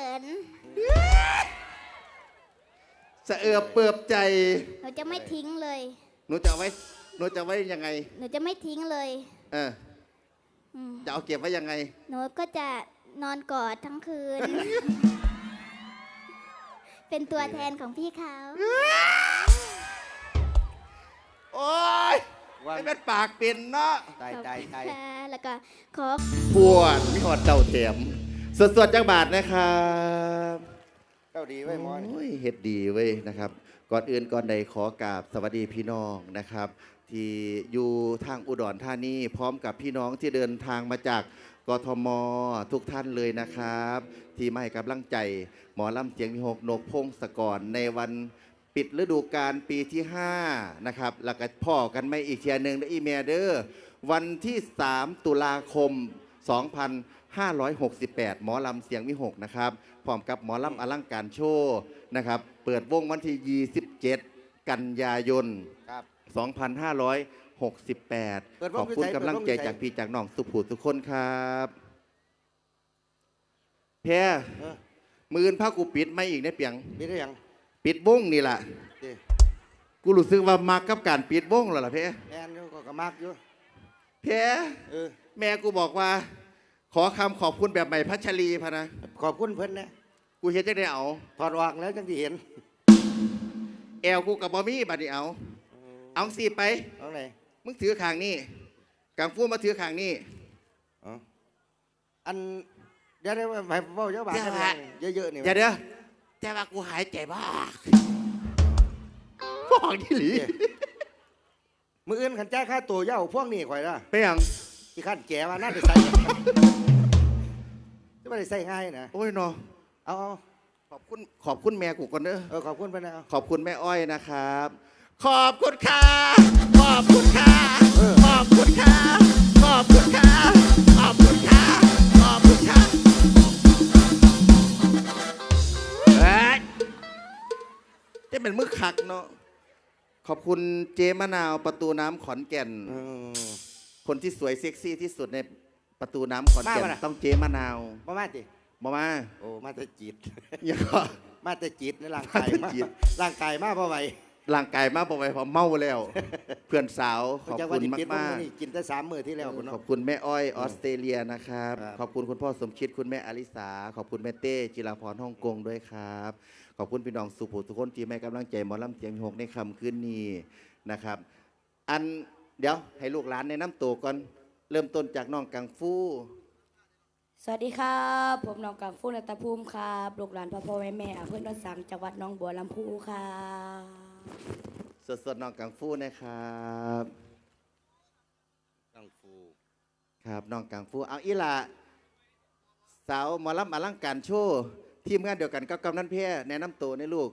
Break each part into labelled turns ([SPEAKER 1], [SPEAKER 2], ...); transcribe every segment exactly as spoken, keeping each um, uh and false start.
[SPEAKER 1] น
[SPEAKER 2] สะเอือบเปิบใจ
[SPEAKER 1] หนูจะไม่ทิ้งเลย
[SPEAKER 2] หนูจะไว้หนูจะไว้ยังไง
[SPEAKER 1] หนูจะไม่ทิ้งเลย
[SPEAKER 2] เออจะเอาเก็บไว้ยังไง
[SPEAKER 1] หนูก็จะนอนกอดทั้งคืน เป็นตัวแทนของพี่เขา
[SPEAKER 2] โอ๊ยไม่เป็นปากเป็นเนาะ
[SPEAKER 3] ตายตายตาย
[SPEAKER 1] แล้วก็ขอ
[SPEAKER 2] ปวดมีหอดเต่าเถียมสดๆจังบาทนะครับ
[SPEAKER 3] เจ้าดีไว้หมอน
[SPEAKER 2] เฮ็ดดีเว้ยนะครับก่อนอื่นก่อนใดขอกราบสวัสดีพี่น้องนะครับที่อยู่ทางอุดรธานีพร้อมกับพี่น้องที่เดินทางมาจากกทมทุกท่านเลยนะครับที่มาให้กำลังใจหมอลำเสียงมีหกนกพงศกรในวันปิดฤดูกาลปีที่ห้านะครับแล้วก็พ่อกันไม่อีกเทียหนึ่งและอีเมเดอร์วันที่สามตุลาคมสองพันห้าร้อยหกสิบแปดหมอลำเสียงวิหกนะครับพร้อมกับหมอลำอลังการโชว์นะครับเปิดวงวันที่ยี่สิบเจ็ดกันยายนสองพันห้าร้อยหกสิบแปดขอบคุณกำลังใจจากพี่จากน้องสุภูทุกคนครับแพ้มือนผ้ากูปิดไม่อีกเนี่ยเปียง
[SPEAKER 3] ปิดได้ยัง
[SPEAKER 2] ปิดวงนี่แหละกูรู้สึกว่ามักกับการปิดวงแล้วล่ะเพ่
[SPEAKER 3] แอนก็ก็มักอยู่
[SPEAKER 2] เพ่แม่กูบอกว่าขอคำขอบคุณแบบใหม่พัชรีพะนะ
[SPEAKER 3] ขอบคุณเพิ่นนะ
[SPEAKER 2] กูเห็นจะได้เอา
[SPEAKER 3] ถอดวางแล้วจังที่เห็น
[SPEAKER 2] แอลกูกับบอมี่บัดนี้เอาเอาสิไป
[SPEAKER 3] เอาไหน
[SPEAKER 2] มึงถือขางนี่กังฟูมาถือขางนี่
[SPEAKER 3] อ๋ออันเดี๋ยวเดี๋ยวไปเฝ้าเจ้าบ้านเยอะๆนี่
[SPEAKER 2] เดี๋ยวเดี๋ยวแต่ว่ากูหายใจบ้าฟอกที่หลี
[SPEAKER 3] มืออื่นขันแจ้ค่าตัวเย้าพวกนี้ข่อยละ
[SPEAKER 2] ไปยัง
[SPEAKER 3] ที่ขั้นแก่ว่าน่าจะใส่จะไม่ได้ใส่ง่ายนะ
[SPEAKER 2] โอ้ยนอ
[SPEAKER 3] เอา
[SPEAKER 2] ขอบคุณขอบคุณแม่กูก่อนเด้อ
[SPEAKER 3] เออขอบคุณไปนะ
[SPEAKER 2] ขอบคุณแม่อ้อยนะครับขอบคุณค่ะขอบคุณค่ะขอบคุณค่ะขอบคุณค่ะขอบคุณค่ะขอบคุณค่ะเฮ้ยจะเป็นมือขักเนาะขอบคุณเจมะนาวประตูน้ำขอนแก่นคนที่สวยเซ็กซี่ที่สุดในประตูน้ำขอนแก่นต้องเจมะนาว
[SPEAKER 3] มามาจิ
[SPEAKER 2] มามา
[SPEAKER 3] โอ้มาแต่จิต
[SPEAKER 2] อย่าก็
[SPEAKER 3] มาแต่จิตในร่างกายมาร่างกายมาเพราะไหว
[SPEAKER 2] ร่างกายมากพอไปพอเมาแล้วเพื่อนสาวขอบคุณมากมาก
[SPEAKER 3] กินแต่สามมื้อที่แล้ว
[SPEAKER 2] ขอบคุณแม่อ้อยออสเตรเลียนะครับขอบคุณคุณพ่อสมคิดคุณแม่อลิสาขอบคุณแม่เต้จิราพรฮ่องกงด้วยครับขอบคุณพี่น้องสุภูทุกคนที่ให้กำลังใจหมอลำเสียงหกในค่ำคืนนี้นะครับอันเดี๋ยวให้ลูกหลานในน้ำตัวก่อนเริ่มต้นจากน้องกังฟู
[SPEAKER 4] สวัสดีครับผมน้องกังฟูนัตภูมิครับลูกหลานพ่อพ่อแม่แม่อำเภอดอนสังจังหวัดหนองบัวลำพูครับ
[SPEAKER 2] สดๆน้องกังฟูนะครับ
[SPEAKER 3] กังฟู
[SPEAKER 2] ครับน้องกังฟูเอาอีละสาวหมอลำอลังการโชว์ทีมงานเดียวกันกับกำนันเพียแนะนำตัวในลูก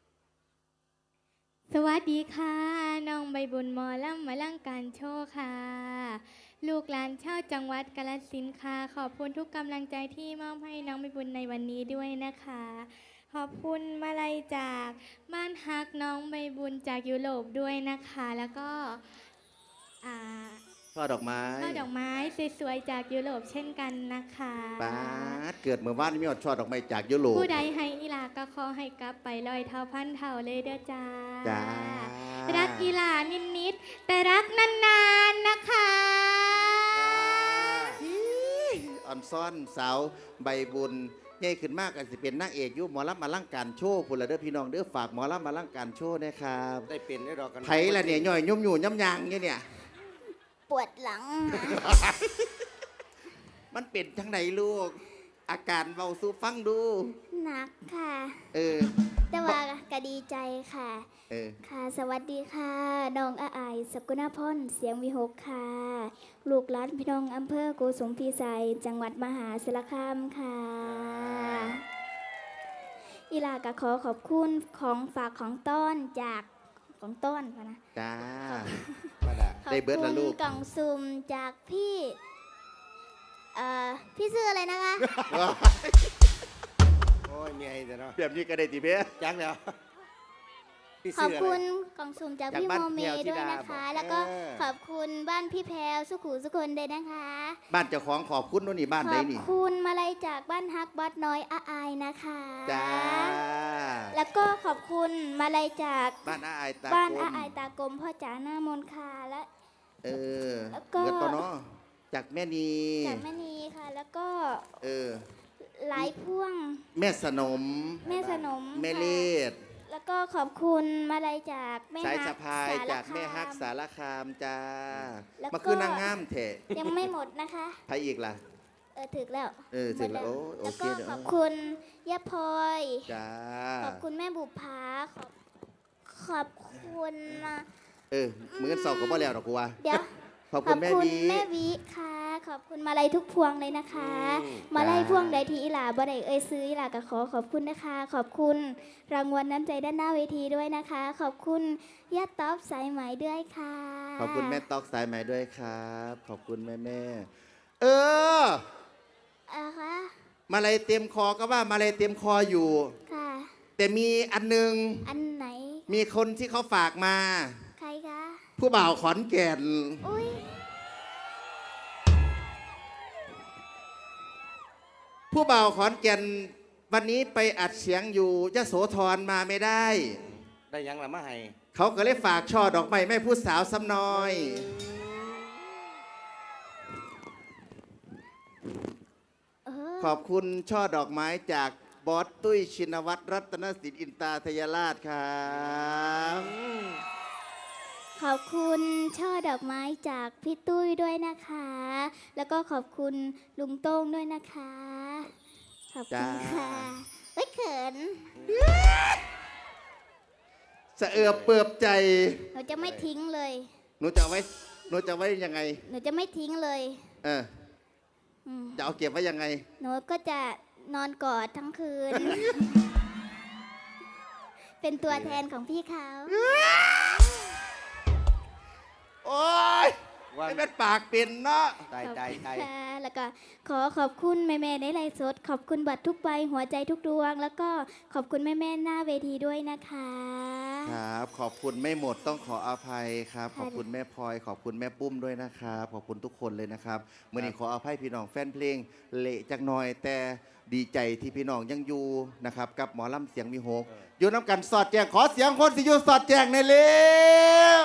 [SPEAKER 5] สวัสดีค่ะน้องใบบุญหมอลำอลังการโชว์ค่ะลูกหลานชาวจังหวัดกาฬสินธุ์ค่ะขอบคุณทุกกำลังใจที่มอบให้น้องใบบุญในวันนี้ด้วยนะคะขอบคุณมาลัยจากบ้านฮักน้องใบบุญจากยุโรปด้วยนะคะแล้วก็อ่า
[SPEAKER 2] ช่อดอกไม้
[SPEAKER 5] ช่อดอกไม้สวยๆจากยุโรปเช่นกันนะคะ
[SPEAKER 2] ป้าเกิดเมื่อวานมีอดช่อดอกไม้จากยุโรป
[SPEAKER 5] ผู้ใดให้อีลาก็ขอให้กลับไปลอยเท่าพันเท่าเลยเด้อจ้า
[SPEAKER 2] จ้า
[SPEAKER 5] รักอีลานิดๆแต่รักนานๆนะคะ
[SPEAKER 2] อ่อนซ่อนสาวใบบุญใหญ่ขึ้นมากอาจจะเป็นนางเอกยุหมอลำมาลังการโชว์พลเด้อพี่น้องเด้อฝากหมอลำมาลังการโชว์นะครับ
[SPEAKER 3] ได้เป็นได้ดอกกัน
[SPEAKER 2] ไผ่ละเนี่ยย่อยยุ่มอยู่ย่ำยางเนี่ย
[SPEAKER 1] ปวดหลัง
[SPEAKER 2] มันเป็นทั้งไหนลูกอาการเบาสู้ฟังดู
[SPEAKER 1] หนักค่ะ
[SPEAKER 2] เออ
[SPEAKER 1] แต่ว่าก็ดีใจค่ะ
[SPEAKER 2] เออ
[SPEAKER 1] ค่ะสวัสดีค่ะน้องอาอายสกุณพรเสียงวิหกค่ะลูกหลานพี่น้องอำเภอโกสุมพิสัยจังหวัดมหาสารคามค่ะอีลากะขอขอบคุณของฝากของต้อนจากของต้นนะ
[SPEAKER 2] จ้า
[SPEAKER 1] ได้เบิร์ดละลูกกล่องซุ่มจากพี่เอ่อพี่ซื้ออะไรนะคะ
[SPEAKER 3] โอ้ยมีไอ้เนาะ
[SPEAKER 2] แบบนี้ก็ได้จีเพ่
[SPEAKER 3] จังแล้วพี่
[SPEAKER 1] ขอบ
[SPEAKER 3] เสื้อ
[SPEAKER 1] คุ
[SPEAKER 3] อะไร
[SPEAKER 1] ณกล่องสุ่มจาก
[SPEAKER 2] จาก
[SPEAKER 1] พี่
[SPEAKER 2] บ้าน
[SPEAKER 1] โมเม
[SPEAKER 2] แพรวธิ
[SPEAKER 1] ด้วย
[SPEAKER 2] ดา
[SPEAKER 1] นะคะ
[SPEAKER 2] บอก
[SPEAKER 1] แล้วก็
[SPEAKER 3] เออ
[SPEAKER 1] ขอบคุณบ้านพี่แพรวสุขุสุคนด้วยนะคะ
[SPEAKER 2] บ้านเจ้าของขอบคุณนู่นนี่บ้าน
[SPEAKER 1] ข
[SPEAKER 2] ใด
[SPEAKER 1] อบ
[SPEAKER 2] นี่
[SPEAKER 1] คุณมาลัยจากบ้านฮักบอสน้อยอาอายนะคะ
[SPEAKER 2] จ้า
[SPEAKER 1] แล้วก็ขอบคุณมาลัยจาก
[SPEAKER 2] บ้านอาอายตา
[SPEAKER 1] บ้าน
[SPEAKER 2] กล
[SPEAKER 1] อาม อายตากลมพ่อจ๋าหน้ามนต์ค่ะและ
[SPEAKER 2] เออ
[SPEAKER 1] แล้วก็
[SPEAKER 2] เกิดปะเนาะจากแม่นี
[SPEAKER 1] จากแม่นีค่ะ แล้วก็
[SPEAKER 2] เออ
[SPEAKER 1] หลายพ่วง
[SPEAKER 2] แม่สนม
[SPEAKER 1] แม่สนม
[SPEAKER 2] แม่
[SPEAKER 1] ค่ะ
[SPEAKER 2] เลด
[SPEAKER 1] แล้วก็ขอบคุณมาลัยจากแม่
[SPEAKER 2] สาย
[SPEAKER 1] ฮั
[SPEAKER 2] สะ
[SPEAKER 1] ก
[SPEAKER 2] พาย
[SPEAKER 1] สร
[SPEAKER 2] จากแม่ฮัก
[SPEAKER 1] ค
[SPEAKER 2] สารคามจ้า
[SPEAKER 1] แล้วก็
[SPEAKER 2] มาคือนางงามเถะ
[SPEAKER 1] ยังไม่หมดนะคะ
[SPEAKER 2] ใครอีกล่ะ
[SPEAKER 1] เออถึกแล้ว
[SPEAKER 2] เออถึกแล้ว
[SPEAKER 1] หมด
[SPEAKER 2] โอ้โอ
[SPEAKER 1] แล้ว
[SPEAKER 2] เค
[SPEAKER 1] ก็
[SPEAKER 2] เดี๋ยว
[SPEAKER 1] ขอบคุณย่าพลอย
[SPEAKER 2] จ้า
[SPEAKER 1] ขอบคุณแม่บุภาขอบขอบคุณนะ
[SPEAKER 2] เออมือกันสอบก็บ่แล้วดอกกูว่า
[SPEAKER 1] เดี๋ยว
[SPEAKER 2] ขอบคุณแม่วี
[SPEAKER 1] แม่วิค่ะ ขอบคุณมาลัยทุกพวงเลยนะคะ
[SPEAKER 3] อืม
[SPEAKER 1] มาลัย
[SPEAKER 2] จ้า
[SPEAKER 1] พวงใดที่อีหลาบ่ได้เอ่ยซื้ออีหลาก็ขอขอบคุณนะคะ ขอบคุณรางวัลน้ำใจด้านหน้าเวทีด้วยนะคะ ขอบคุณย่าต๊อบสายไหมด้วยค่ะ
[SPEAKER 2] ขอบคุณแม่ตอกสายไหมด้วยครับ ขอบคุณแม่แม่เออ
[SPEAKER 1] อ่าคะ
[SPEAKER 2] มาเลยเต็มคอก็ว่ามาเลยเต็มคออยู่
[SPEAKER 1] ค่ะ
[SPEAKER 2] แต่มีอันหนึง
[SPEAKER 1] อันไหน
[SPEAKER 2] มีคนที่เขาฝากมา
[SPEAKER 1] ใครคะ
[SPEAKER 2] ผู้บ่าวขอนแก่น
[SPEAKER 1] อุ้ย
[SPEAKER 2] ผู้บ่าวขอนแก่นวันนี้ไปอัดเสียงอยู่ยโสธรมาไม่ได้
[SPEAKER 3] ได้ยังละมาให้
[SPEAKER 2] เขาก็เลยฝากช่อดอกไม้แม่ผู้สาวซ้ำน้อย
[SPEAKER 1] เออ
[SPEAKER 2] ขอบคุณช่อดอกไม้จากบอสตุ้ยชินวัตรรัตนสินอินตาทยราชครับ
[SPEAKER 1] ขอบคุณช่อดอกไม้จากพี่ตุ้ยด้วยนะคะ แล้วก็ขอบคุณลุงโต้งด้วยนะคะ ขอบคุณค่ะเฮ้ยเขิน
[SPEAKER 2] สะเอือบเปิบใจ
[SPEAKER 1] หนูจะไม่ทิ้งเลย
[SPEAKER 2] หนูจะเอาไว้หนูจะเอาไว้ยังไง
[SPEAKER 1] หนูจะไม่ทิ้งเลย
[SPEAKER 2] เออ
[SPEAKER 1] อืม
[SPEAKER 2] จะเอาเก็บไว้ยังไง
[SPEAKER 1] หนูก็จะนอนกอดทั้งคืน เป็นตัวแทนของพี่เขา
[SPEAKER 2] โอ้ย
[SPEAKER 3] ว่า
[SPEAKER 2] ไม่เป็นปากเป็นเนาะ
[SPEAKER 3] ตาย
[SPEAKER 1] ขอบ
[SPEAKER 3] ตาย
[SPEAKER 1] คุณ
[SPEAKER 3] ตาย
[SPEAKER 1] ค่ะแล้วก็ขอขอบคุณแม่ๆในไลฟ์สด ขอบคุณบัตรทุกใบหัวใจทุกดวง แล้วก็ขอบคุณแม่ๆหน้าเวทีด้วยนะคะ
[SPEAKER 2] ครับ ขอบคุณไม่หมดต้องขออภัยครับ
[SPEAKER 1] ค่ะ
[SPEAKER 2] ขอบคุณแม่พลอย ขอบคุณแม่ปุ้มด้วยนะครับ ขอบคุณทุกคนเลยนะครับเมื่อนี้ขออภัยพี่น้องแฟนเพลงเละจักหน่อย แต่ดีใจที่พี่น้องยังอยู่นะครับกับหมอลำเสียงมีโฮกอยู่น้ำกันสอดแจงขอเสียงคนสิอยู่สอดแจงในอยเร็ว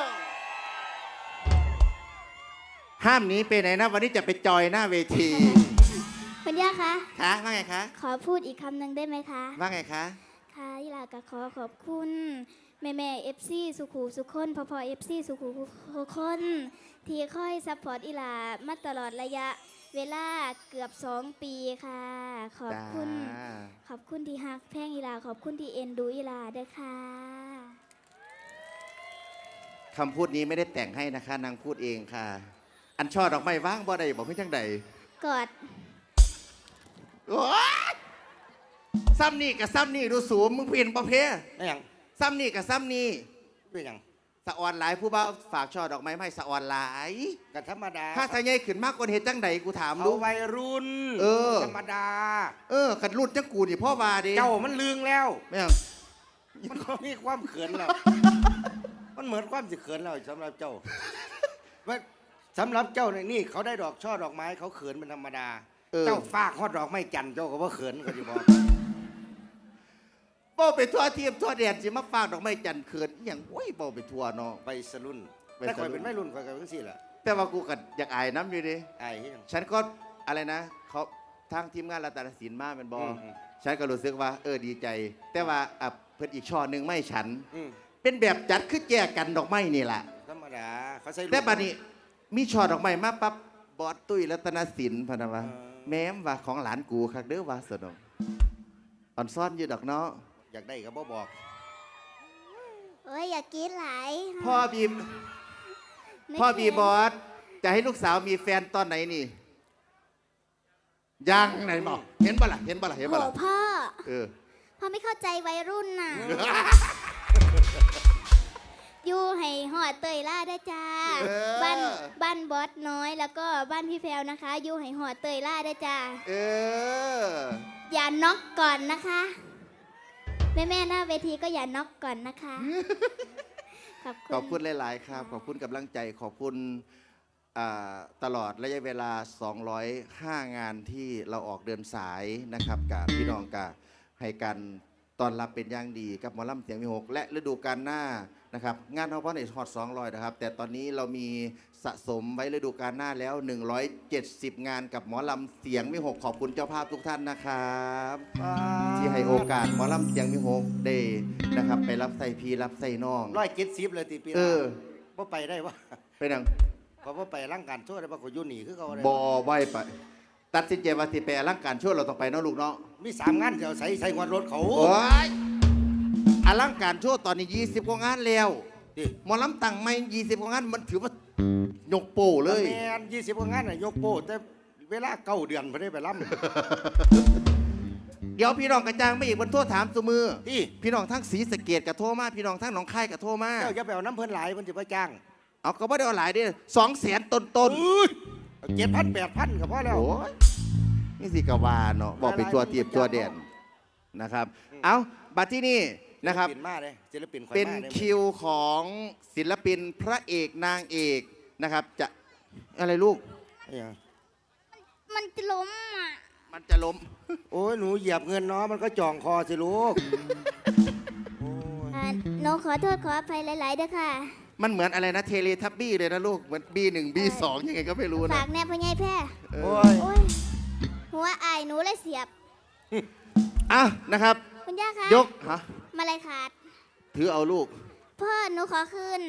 [SPEAKER 2] ห้ามหนีไปไหนนะ วันนี้จะไปจอยหน้าเวที
[SPEAKER 1] คุณย่าคะ
[SPEAKER 2] คะว่าไงคะ
[SPEAKER 1] ขอพูดอีกคำหนึ่งได้ไหมคะ
[SPEAKER 2] ว่าไงคะ
[SPEAKER 1] ค่ะยิลาก็ขอขอบคุณ แม่แม่เอฟซีสุขูสุคนพอพอเอฟซีสุขูสุคน ที่คอยซัพพอร์ตอีหลามาตลอดระยะเวลาเกือบสองปีค่ะ ขอบคุณ
[SPEAKER 2] จ้า
[SPEAKER 1] ขอบคุณที่ฮักแพงอีหลาขอบคุณที่เอ็นดูอีหลาด้วยค่ะ
[SPEAKER 2] คำพูดนี้ไม่ได้แต่งให้นะคะนางพูดเองค่ะ อันช่อดอกไม้ว่างบ่ได้บอกให้จังใด
[SPEAKER 1] กอด
[SPEAKER 2] โอ๊ยซ้ำนี่กับซ้ำนี่ดูสูงมึงเปลี่ยนประเภท
[SPEAKER 3] ได้ยัง
[SPEAKER 2] ซ้ำนี่กับซ้ำนี่
[SPEAKER 3] ได้ยัง
[SPEAKER 2] สะออนหลายผู้บ่าวฝากช่อดอกไม้มาให้สะออนหลาย
[SPEAKER 3] ก็ธรรมดา
[SPEAKER 2] ถ้าทะเยายขึ้นมากกว่าเหตุจังใดกูถาม
[SPEAKER 3] เขา
[SPEAKER 2] ดู
[SPEAKER 3] วัยรุ่น
[SPEAKER 2] เออ
[SPEAKER 3] ธรรมดา
[SPEAKER 2] เออขัดรุ่นจังกูนี่พ่อวาดิ
[SPEAKER 3] เจ้ามันลืงแล้ว
[SPEAKER 2] ไม่เอา
[SPEAKER 3] มันก็มีความเขินแล้ว มันเหมือนความสิเขินแล้วสำหรับเจ้าว่าสำหรับเจ้าเนี่ยนี่เขาได้ดอกช่อดอกไม้เขาเขินเป็นธรรมดา
[SPEAKER 2] เออ
[SPEAKER 3] เจ้าฝากฮอดดอกไม้จันทร์เจ้าก็ว่าเขินก็จะบอก
[SPEAKER 2] เป้าไปทั่วเทียมทั่วแดนสิมาฝากดอกไม้จันทร์เขินอหย่างโอ้ยเป้าไปทั่วเนาะ
[SPEAKER 3] ไปสรุ่น
[SPEAKER 2] ไป
[SPEAKER 3] แต่
[SPEAKER 2] ส
[SPEAKER 3] ค
[SPEAKER 2] รุ่
[SPEAKER 3] อย
[SPEAKER 2] น
[SPEAKER 3] เป็นไม่รุ่นคอยกันทั้งสี่แหละ
[SPEAKER 2] แต่ว่ากูกัอยากอายน้ำอยู่ดิ
[SPEAKER 3] ไอ้เหี้ย
[SPEAKER 2] ฉันก็อะไรนะเขาทางทีมงานรัตนศิลป์มาเป็นบอ
[SPEAKER 3] อืมอืม
[SPEAKER 2] ฉันก็รู้สึกว่าเออดีใจ แต่ว่าอ่ะเพิ่นอีกช่อหนึ่งไม่ฉัน
[SPEAKER 3] อืม
[SPEAKER 2] เป็นแบบจัดคือแจกกันดอกไม้นี่แหละ
[SPEAKER 3] ธรรมดาเขาใส่
[SPEAKER 2] แต่บัดนี้มีช่อดอกไม้มาปั๊บบอสตุ้ยรัตนศิลป์พะนะวะ
[SPEAKER 3] เออ
[SPEAKER 2] แม้มว่าของหลานกูคักเด้อว่าสนองอ่อนซ่อนอยู่ดอกเนาะ
[SPEAKER 3] อยากได้ก็บ่บอก
[SPEAKER 1] โอ้ยอยากกินหลาย
[SPEAKER 2] พ่อบี
[SPEAKER 1] ไม่
[SPEAKER 2] พ่อบี
[SPEAKER 1] เค็ม
[SPEAKER 2] บอสจะให้ลูกสาวมีแฟนตอนไหนนี่ยังไหนบอกเห็นปะล่ะเห็นปะล่ะเห็น
[SPEAKER 1] โห
[SPEAKER 2] ปะล่ะ
[SPEAKER 1] พ่อ
[SPEAKER 2] เออ
[SPEAKER 1] พ่อไม่เข้าใจวัยรุ่นน่ะ อยู่ให้หอดเตยล่าได้จ้า
[SPEAKER 2] เออ
[SPEAKER 1] บ้านบ้านบอสน้อยแล้วก็บ้านพี่แพรวนะคะ อยู่ให้หอดเตยล่าได้จ้า
[SPEAKER 2] เออ
[SPEAKER 1] อย่าน็อกก่อนนะคะแม่แม่ๆหน้าเวทีก็อย่าน็อกก่อนนะคะ ขอบคุณ
[SPEAKER 2] ขอบคุณหลาย ๆ ครับ ขอบคุณกำลังใจ ขอบคุณอ่าตลอดระยะเวลา สองร้อยห้า งานที่เราออกเดินสายนะครับกับพี่น้องกับให้การต้อนรับเป็นอย่างดีกับหมอลำเสียงมีหกและฤดูกาลหน้านะครับงานเขาเพราะในฮอตสองร้อยนะครับแต่ตอนนี้เรามีสะสมไว้ฤดูกาลหน้าแล้ว หนึ่งร้อยเจ็ดสิบ งานกับหมอลำเสียงมีหกขอบคุณเจ้าภาพทุกท่านนะครับที่ให้โอกาสหมอลำเสียงมีหกได้นะครับไปรับใส่พีรับใส่น้อง
[SPEAKER 3] ร้อยเจ็ดสิบเลยตีปี
[SPEAKER 2] เออ
[SPEAKER 3] ว่าไปได้วะ
[SPEAKER 2] ไปนัง
[SPEAKER 3] เพราะว่าไปร่างการช่วยได้ปะก็อยุ่หนีคือเขาได้
[SPEAKER 2] บอไหวไป ตัดสินใจว่าสิไปอลังการช่วยเราต้องไปเนาะลูกเนาะ
[SPEAKER 3] มีสามงานเดี๋ยวใส่ใส่งวดรถเขา
[SPEAKER 2] โอ้ยอลังการช่วยตอนนี้ยี่สิบกว่างานแล้ว
[SPEAKER 3] ดิ
[SPEAKER 2] หมอลำตังไม่ยี่สิบกว่างานมันถือว่ายกโป้เลย
[SPEAKER 3] แมนยี่สิบกว่างานน่ะยกโป้แต่เวลาเก้าเดือนพอได้ไปร่
[SPEAKER 2] เดี๋ยวพี่น้องกระจางไม่อีกบนโทษถามสมือ
[SPEAKER 3] ำที่
[SPEAKER 2] พี่น้องทั้งศรีสะเกดกับโทรมาพี่น้องทั้งหนองคายกับโทรมา
[SPEAKER 3] เจ้าอย่าไปเอาน้ำเพิ่นหลายมันจะไปจ้าง
[SPEAKER 2] เอาก็ไม่ได้เอาหลายเดิสองแสนต้นต้น
[SPEAKER 3] เจ็ดพันแปดพันก็พอแล้ว
[SPEAKER 2] โอ้ยนี่สิกาวาเนาะบอกไปตัวเตียบตัวเด่นนะครับ เอาบัดที่นี่นะครับ
[SPEAKER 3] ศิลปินมาเลยศิลปินข่อย
[SPEAKER 2] เป็น
[SPEAKER 3] มาเลย
[SPEAKER 2] คิวของศิลปินพระเอกนางเอกนะครับ จะอะไรลูก
[SPEAKER 3] ไอ้หยัง
[SPEAKER 1] มันจะล้มอ่ะ
[SPEAKER 2] มันจะล้ม
[SPEAKER 3] โอ้ยหนูเหยียบเงินเนาะมันก็จ่องคอสิลูกโอ้ย
[SPEAKER 1] อ่าหนูขอโทษขออภัยหลายๆเด้อค่ะ
[SPEAKER 2] มันเหมือนอะไรนะเทเลทับบี้เลยนะลูกเหมือนบีหนึ่งบีสองยังไงก็ไม่รู้
[SPEAKER 1] ฝา
[SPEAKER 2] นะ
[SPEAKER 1] กแน่พ่อใหญ่แพร่
[SPEAKER 2] เอ
[SPEAKER 3] โอ้
[SPEAKER 2] อย
[SPEAKER 1] โอ้ยหัวอายหนูเลยเสียบ
[SPEAKER 2] อ่ะนะครับ
[SPEAKER 1] คุณย่าคะ
[SPEAKER 2] ยกฮะ
[SPEAKER 1] มาเลยขาด
[SPEAKER 2] ถือเอาลูก
[SPEAKER 1] พ่อหนูขอคืน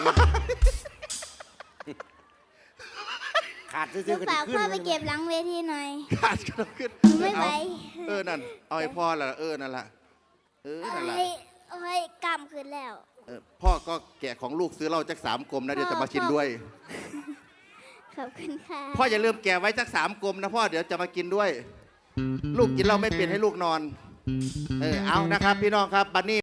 [SPEAKER 3] ขาด
[SPEAKER 1] หนู
[SPEAKER 3] ซื้อๆกัน
[SPEAKER 1] ฝาก
[SPEAKER 3] ขึ้น
[SPEAKER 1] พ่อไปเก็บหลังเวทีหน่อย
[SPEAKER 2] ขาดก็ต้องขึ้น
[SPEAKER 1] หนูไม่ไหว
[SPEAKER 2] เอาเออนั่นเอาไอ้พ่อละเออนั่นละเออนั่นละ
[SPEAKER 1] เอ้ยเอ้ยกำคืนแล้ว
[SPEAKER 2] เออพ่อก็แกะของลูกซื้อเหล้าจากสามกลมนะเดี๋ยวจะมากินด้วย
[SPEAKER 1] ขอบคุณค่ะ
[SPEAKER 2] พ่ออย่าลืมแกะไว้จากสามกลมนะพ่อเดี๋ยวจะมากินด้วย ลูกกินเหล้าไม่เปลี่ยนให้ลูกนอน เออเอานะครับพี่น้องครับบัดนี้